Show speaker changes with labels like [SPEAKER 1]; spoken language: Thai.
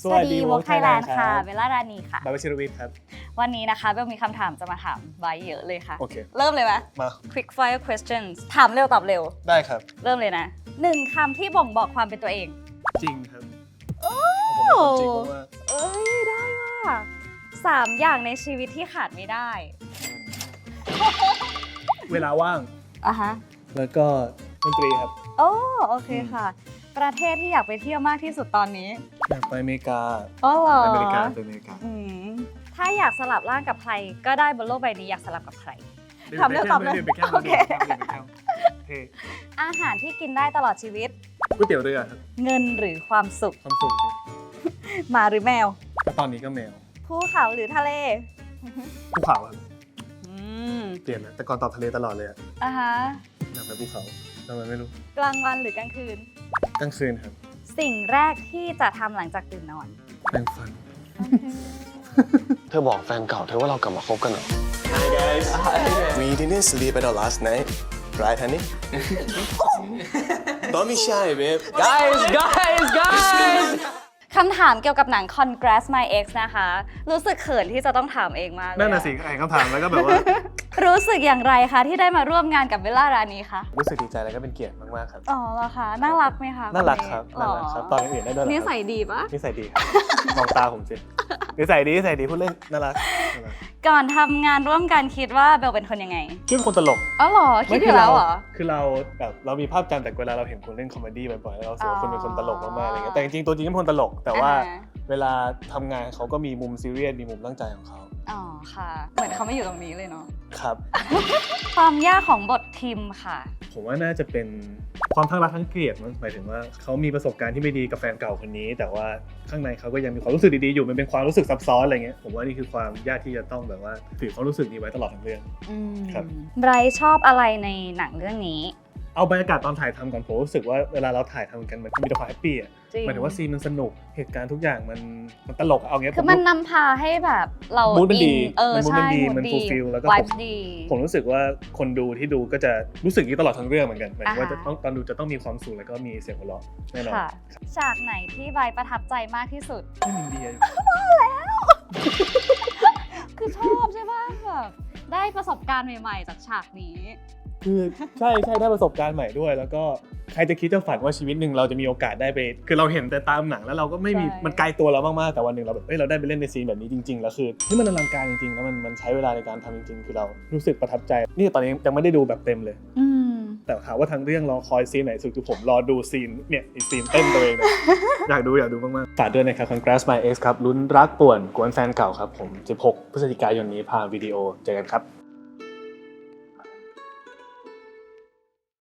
[SPEAKER 1] สวัสดีวอล์กไทยแลนด์ค่ะเบลล่ารานีค่ะ
[SPEAKER 2] บาบาชิรวิทย์ครับ
[SPEAKER 1] วันนี้นะคะเบลมีคำถามจะมาถามไว้เยอะเลยค่ะ
[SPEAKER 2] โอเค
[SPEAKER 1] เริ่มเลยไหม
[SPEAKER 2] มา
[SPEAKER 1] quick fire questions ถามเร็วตอบเร็ว
[SPEAKER 2] ได้ครับ
[SPEAKER 1] เริ่มเลยนะ1 คำที่บ่งบอกความเป็นตัวเอง
[SPEAKER 2] จริงครับผมเป็นคนจริงมาก
[SPEAKER 1] เอ้ยได้ว่ะ3 อย่างในชีวิตที่ขาดไม่ได้
[SPEAKER 2] เวลาว่าง
[SPEAKER 1] อ่ะฮะ
[SPEAKER 2] แล้วก็ดนตรีครับ
[SPEAKER 1] โอเคค่ะ ประเทศที่อยากไปเที่ยวมากที่สุดตอนนี้
[SPEAKER 2] อยากไปอเมริกา
[SPEAKER 1] อ๋อเหรอ
[SPEAKER 2] ไปอเมริกา
[SPEAKER 1] ถ้าอยากสลับร่างกับใครก็ได้บนโลกใบนี้อยากสลับกับใครถามเรื่องตอบเลยโอเคอาหารที่กินได้ตลอดชีวิต
[SPEAKER 2] ก๋วยเตี๋ยวเรือครับ
[SPEAKER 1] เงินหรือความสุข
[SPEAKER 2] ความสุข
[SPEAKER 1] หมาหรือแมว
[SPEAKER 2] ตอนนี้ก็แมว
[SPEAKER 1] ภูเขาหรือทะเล
[SPEAKER 2] ภูเขาครับเปลี่ยนนะแต่ก่อนตอบทะเลตลอดเลยอ่ะ
[SPEAKER 1] ฮะ
[SPEAKER 2] อยากไปภูเขาทำไมไม่รู้
[SPEAKER 1] กลางวันหรือกลางคืน
[SPEAKER 2] กลางคืนครับ
[SPEAKER 1] สิ่งแรกที่จะทำหลังจากตื่นนอน
[SPEAKER 2] แปรงฟัน
[SPEAKER 3] เธอบอกแฟนเก่าเธอว่าเรากลับมาคบกันเหรอ
[SPEAKER 4] Hi guys. We didn't sleep at all last night, right, honey? Don't be shy, babe.
[SPEAKER 3] guys
[SPEAKER 1] คำถามเกี่ยวกับหนัง Congrats My Ex นะคะ รู้สึกเขินที่จะต้องถามเองมากเลย
[SPEAKER 2] นั่นน่ะสิอ่านคำถามแล้วก็แบบว่า
[SPEAKER 1] รู้สึกอย่างไรคะที่ได้มาร่วมงานกับเบลล่ารานีคะ
[SPEAKER 2] รู้สึกดีใจแล้วก็เป็นเกียรติมากๆครับ
[SPEAKER 1] อ๋อเหรอคะน่ารักไหมคะ
[SPEAKER 2] น่ารักครับน่ารักครับตอนอื่นได้ด้วย
[SPEAKER 1] นิสัยดีปะ
[SPEAKER 2] นิสัยดีครับมองตาผมสินิสัยดีพูดเล่นน่ารัก
[SPEAKER 1] ก่อนทำงานร่วมกันคิดว่าเบลเป็นคนยังไง
[SPEAKER 2] คิดเป็นคนตลก
[SPEAKER 1] อ๋อเหรอคิดอยู่แล้วเหรอ
[SPEAKER 2] คือเราแบบเรามีภาพจำแต่เวลาเราเห็นคนเล่นคอมเมดี้บ่อยๆเราสึกว่าคนเป็นคนตลกมากๆอะไรเงี้ยแต่จริงๆตัวจริงเป็นคนตลกแต่ว่าเวลาทำงานเขาก็มีมุมซีเรียสมีมุมตั้งใจของเขา
[SPEAKER 1] อ๋อค่ะเหมือนเขาไม่อยู่ตรงนี้เลยเนาะ
[SPEAKER 2] ครับ
[SPEAKER 1] ความยากของบททิมค่ะ
[SPEAKER 2] ผมว่าน่าจะเป็นความทั้งรักทั้งเกลียดมั้งหมายถึงว่าเขามีประสบการณ์ที่ไม่ดีกับแฟนเก่าคนนี้แต่ว่าข้างในเขาก็ยังมีความรู้สึกดีๆอยู่มันเป็นความรู้สึกซับซ้อนอะไรเงี้ยผมว่านี่คือความยากที่จะต้องแบบว่าถือความรู้สึกนี้ไว้ตลอดทั้งเรื่องครับ
[SPEAKER 1] ไบรท์ชอบอะไรในหนังเรื่องนี้
[SPEAKER 2] เอาบรรยากาศตอนถ่ายทำก่อนผมรู้สึกว่าเวลาเราถ่ายทำกันมันมีแต่ความแฮปปี้อ่ะหมายถึงว่าซีนมันสนุกเหตุการณ์ทุกอย่างมันตลกเอาเงี้ย
[SPEAKER 1] คือมันนำพาให้แบบเรา
[SPEAKER 2] มูดมันดี
[SPEAKER 1] ใช่
[SPEAKER 2] มันฟูลฟิลแล้วก็ผมรู้สึกว่าคนดูที่ดูก็จะรู้สึกนี้ตลอดทั้งเรื่องเหมือนกันหมายถึงว่าจะต้องตอนดูจะต้องมีความสุขแล้วก็มีเสียงหัวเราะแน่นอน
[SPEAKER 1] ฉากไหนที่ไบรท์ประทับใจมากที่สุด
[SPEAKER 2] ที่มินเดีย
[SPEAKER 1] มาแล้วคือชอบใช่ป่ะแบบได้ประสบการณ์ใหม่ๆจากฉากนี้
[SPEAKER 2] คือใช่ได้ประสบการณ์ใหม่ด้วยแล้วก็ใครจะคิดจะฝันว่าชีวิตหนึ่งเราจะมีโอกาสได้ไปคือเราเห็นแต่ตามหนังแล้วเราก็ไม่มีมันไกลตัวเรามากๆแต่วันหนึ่งเราแบบเราได้ไปเล่นในซีนแบบนี้จริงๆแล้วคือที่มันอลังการจริงๆแล้วมันใช้เวลาในการทำจริงๆคือเรารู้สึกประทับใจนี่ตอนนี้ยังไม่ได้ดูแบบเต็มเลยแต่ถามว่าทั้งเรื่องรอคอยซีนไหนสุดคือผมรอดูซีนเนี่ยอีซีนเต้นตัวเองอยากดูมากๆฝากด้วยนะครับ Congrats My Ex ครับลุ้นรักป่วนกวนแฟนเก่าครับผม16 พฤศจิกายนนี้ผ่านวิดีโอเจอกันครับ